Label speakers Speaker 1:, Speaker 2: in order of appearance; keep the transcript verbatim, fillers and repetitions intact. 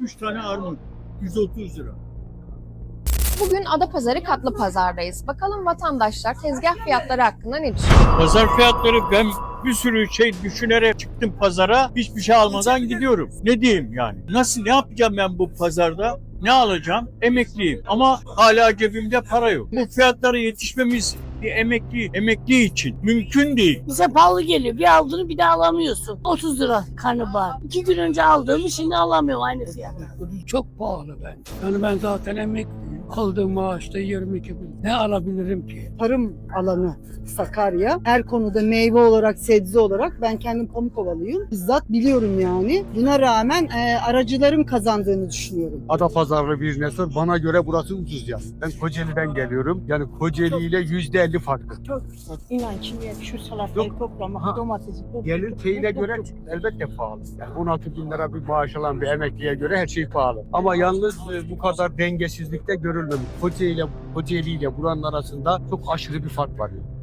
Speaker 1: üç tane armut. yüz otuz lira.
Speaker 2: Bugün Adapazarı Katlı Pazar'dayız. Bakalım vatandaşlar tezgah fiyatları hakkında ne düşünüyor?
Speaker 1: Pazar fiyatları, ben bir sürü şey düşünerek çıktım pazara. Hiçbir şey almadan gidiyorum. Ne diyeyim yani? Nasıl, ne yapacağım ben bu pazarda? Ne alacağım? Emekliyim ama hala cebimde para yok. Bu fiyatlara yetişmemiz bir emekli, emekli için mümkün değil.
Speaker 3: Bize pahalı geliyor. Bir aldığını bir daha alamıyorsun. otuz lira karnabahar. İki gün önce aldığımı şimdi alamıyorum aynı fiyata.
Speaker 4: Çok pahalı ben. Yani ben zaten emekliyim. Aldığım maaşta yirmi iki bin. Ne alabilirim ki?
Speaker 5: Tarım alanı Sakarya. Her konuda meyve olarak, sebze olarak ben kendim Pamukovalıyım. Bizzat biliyorum yani. Buna rağmen e, aracıların kazandığını düşünüyorum.
Speaker 6: Adapazarlı birine sor. Bana göre burası ucuz ya. Ben Kocaeli'den geliyorum. Yani Kocaeli ile yüzde elli farklı.
Speaker 7: Çok güzel. İnan şimdi şu salatayı
Speaker 6: Yok.
Speaker 7: toplamak,
Speaker 6: Ha.
Speaker 7: domatesi toplamak.
Speaker 6: Gelir şeyine göre elbette pahalı. Yani on altı bin lira bir maaş alan bir emekliye göre her şey pahalı. Ama yalnız e, bu kadar dengesizlikte görülmemiş. Kocaeli ile Kocaeli ile buranın arasında çok aşırı bir fark var. Yani.